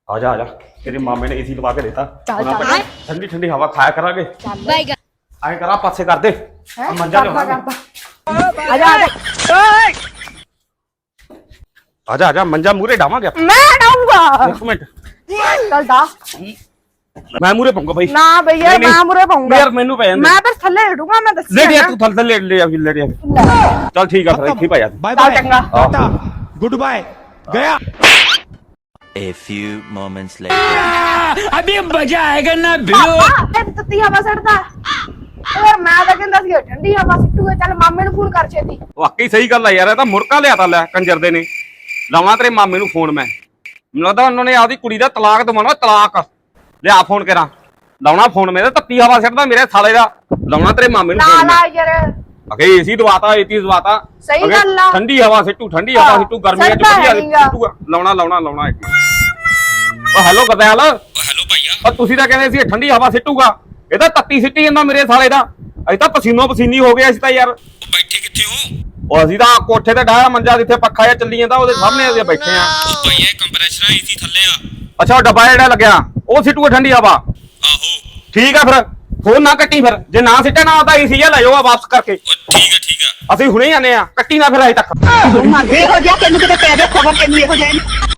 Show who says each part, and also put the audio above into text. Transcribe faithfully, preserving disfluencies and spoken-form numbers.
Speaker 1: आजा आजा तेरे मामे ने एसी लगा के देता
Speaker 2: चल चल
Speaker 1: ठंडी ठंडी हवा खाया करांगे आए करा पासे कर दे मंजा ले
Speaker 2: आजा
Speaker 1: आजा आजा मंजा मूरे डावांगे
Speaker 2: मैं डाऊंगा
Speaker 1: एक मिनट
Speaker 2: चल दा
Speaker 1: मैं मूरे पाऊंगा भाई
Speaker 2: ना भैया मैं मुरे पाऊंगा
Speaker 1: यार मेनू पे
Speaker 2: मैं बस थल्ले हिड़ूंगा मैं दस
Speaker 1: ले लिया तू थल थल ले लिया ले लिया चल ठीक है फिर इत्थे पाया
Speaker 3: बाय
Speaker 2: चल
Speaker 3: बाय
Speaker 2: चंगा
Speaker 3: टाटा गुड बाय गया
Speaker 4: A few moments later.
Speaker 3: अभी मजा आएगा ना
Speaker 2: ਪਾਪਾ ਇਹ ਤੱਤੀ ਹਵਾ ਸੜਦਾ ਯਾਰ ਮੈਂ ਤਾਂ ਕਹਿੰਦਾ ਸੀ ਠੰਡੀ ਹਵਾ ਸਿੱਟੂਗਾ ਚੱਲ ਮਾਮੇ ਨੂੰ ਫੋਨ ਕਰ ਛੇਤੀ
Speaker 1: ਵਾਕਈ ਸਹੀ ਗੱਲ ਆ ਯਾਰ ਇਹ ਤਾਂ ਮੁਰਕਾ ਲਿਆਤਾ ਲੈ ਕੰਜਰ ਦੇ ਨੇ ਲਾਵਾਂ ਤੇਰੇ ਮਾਮੇ ਨੂੰ ਫੋਨ ਮੈਂ ਮੈਨੂੰ ਲੱਗਦਾ ਉਹਨਾਂ ਨੇ ਆਪਦੀ ਕੁੜੀ ਦਾ ਤਲਾਕ ਦਵਾਉਣਾ ਤਲਾਕ ਲਿਆ ਫੋਨ ਕਰਾਂ ਲਾਉਣਾ ਫੋਨ ਮੇਰੇ ਤੱਤੀ ਹਵਾ ਸਿੱਟਦਾ ਮੇਰੇ ਸਾਲੇ ਦਾ ਲਾਉਣਾ ਤੇਰੇ ਮਾਮੇ ਨੂੰ
Speaker 2: ਨਾ
Speaker 1: ਫੋਨ
Speaker 2: ਨਾ
Speaker 1: ਮੈਂ
Speaker 2: ਯਾਰ
Speaker 1: ਅਗੇ ਏਸੀ ਦਵਾਤਾ ਏਸੀ ਦਵਾਤਾ
Speaker 2: ਸਹੀ
Speaker 1: ਅਗੇ
Speaker 2: ਗੱਲ ਆ।
Speaker 1: ਠੰਡੀ ਹਵਾ ਸਿੱਟੂ ਠੰਡੀ ਹਵਾ ਸਿੱਟੂ ਗਰਮੀਆਂ ਚ
Speaker 2: ਸਿੱਟਦਾ
Speaker 1: ਵਧੀਆ
Speaker 2: ਹੈਗਾ।
Speaker 1: ਸਿੱਟੂਗਾ ਲਾਉਣਾ ਲਾਉਣਾ ਲਾਉਣਾ ਇੱਕ ਓ ਹੈਲੋ ਗਦੈਲ ਓ ਹੈਲੋ ਭਾਈਆ ਓ ਤੁਸੀਂ ਤਾਂ ਕਹਿੰਦੇ ਸੀ ਇਹ ਠੰਡੀ ਹਵਾ ਸਿੱਟੂਗਾ ਇਹ ਤਾਂ ਤੱਤੀ ਸਿੱਟੀ ਜਾਂਦਾ ਮੇਰੇ ਸਾਲੇ ਦਾ ਅਸੀਂ ਤਾਂ ਪਸੀਨੋ ਪਸੀਨੀ ਹੋ ਗਏ ਅਸੀਂ ਤਾਂ ਯਾਰ
Speaker 5: ਬੈਠੇ ਕਿੱਥੇ ਹੋ?
Speaker 1: ਉਹ ਅਸੀਂ ਤਾਂ ਕੋਠੇ ਤੇ ਡਾਇਆ ਮੰਜਾ ਜਿੱਥੇ ਪੱਖਾ ਜਿਹਾ ਚੱਲੀ ਜਾਂਦਾ ਉਹਦੇ ਸਾਹਮਣੇ ਅਸੀਂ ਬੈਠੇ ਆ
Speaker 5: ਉਹ ਭਾਈ ਇਹ ਕੰਪਰੈਸਰ ਏਸੀ ਥੱਲੇ ਆ।
Speaker 1: ਅੱਛਾ ਉਹ ਡੱਬਾ ਜਿਹੜਾ ਲੱਗਿਆ ਉਹ ਸਿੱਟੂਗਾ ਠੰਡੀ ਹਵਾ
Speaker 5: ਆਹੋ
Speaker 1: ਠੀਕ ਆ ਫਿਰ ਫੋਨ ਨਾ ਕੱਟੀ ਫਿਰ ਜੇ ਨਾ ਸਿੱਟਿਆ ਨਾ ਤਾਂ ਏਸੀ ਜਿਹਾ ਲੈ ਜਾਓ ਵਾਪਸ ਕਰਕੇ
Speaker 5: ਉਹ ਠੀਕ ਆ ਠੀਕ ਆ।
Speaker 1: ਅਸੀਂ ਹੁਣੇ ਹੀ ਆਨੇ ਆ ਕੱਟੀ ਨਾ ਫਿਰ ਅਜੇ ਤੱਕ
Speaker 2: ਮਰ ਗਏ ਹੋ ਜਾ ਤੈਨੂੰ ਕਿਤੇ ਪੈ ਦੇ ਖਬਰ ਤੈਨੂੰ ਇਹੋ ਜਿਹੇ